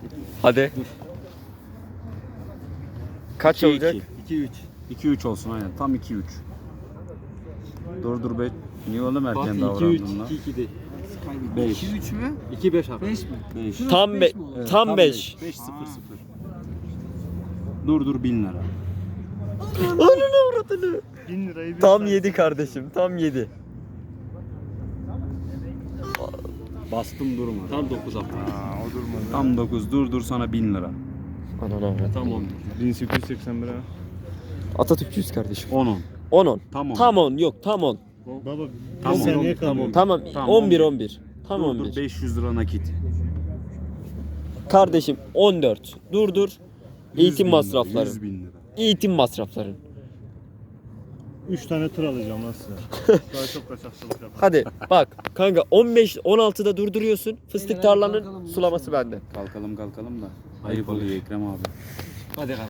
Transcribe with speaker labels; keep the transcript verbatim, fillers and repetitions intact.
Speaker 1: Hadi. Kaç
Speaker 2: iki,
Speaker 1: olacak?
Speaker 2: iki üç. iki üç olsun aynen. Tam iki üç. Dur dur be. Niye oğlum
Speaker 3: Bak
Speaker 2: erken
Speaker 3: iki üç,
Speaker 2: davrandın lan?
Speaker 3: iki iki değil.
Speaker 2: beş.
Speaker 4: iki üç mü?
Speaker 3: iki beş abi.
Speaker 4: beş mi?
Speaker 2: beş.
Speaker 1: Tam be
Speaker 4: mi oluyor?
Speaker 1: tam beş.
Speaker 2: beş sıfır sıfır. Dur dur bin lira.
Speaker 1: Ananı avradını.
Speaker 5: bin lirayı bir
Speaker 1: Tam
Speaker 5: saat-
Speaker 1: yedi kardeşim. Tam yedi.
Speaker 2: Bastım durma.
Speaker 3: Tam dokuz abi.
Speaker 5: Aa, o durmadı.
Speaker 2: Tam dokuz. Dur dur sana bin lira.
Speaker 1: Ananı avradını.
Speaker 3: Tam on.
Speaker 5: bin sekiz yüz seksen bir ha.
Speaker 1: Atatürkçüyüz kardeşim.
Speaker 2: on on.
Speaker 1: on on.
Speaker 2: Tam on.
Speaker 1: Tam on yok tam on.
Speaker 5: Baba bir
Speaker 2: Tamam,
Speaker 5: saniye
Speaker 2: tamam.
Speaker 5: kalıyor.
Speaker 1: Tamam
Speaker 2: Tamam,
Speaker 1: on bir on bir. Tam
Speaker 2: Dur
Speaker 1: on
Speaker 2: dur
Speaker 1: bir.
Speaker 2: beş yüz lira nakit.
Speaker 1: Kardeşim on dört. Dur dur.
Speaker 2: yüz
Speaker 1: Eğitim
Speaker 2: bin lira,
Speaker 1: masrafları.
Speaker 2: yüz bin lira.
Speaker 1: Eğitim masrafların.
Speaker 5: üç tane tır alacağım lan size. Daha çok kaçakçılık yapar.
Speaker 1: Hadi bak kanka on beş on altıda durduruyorsun. Fıstık tarlanın sulaması bende.
Speaker 2: Kalkalım kalkalım da. Ayıp oluyor Ekrem abi.
Speaker 3: Hadi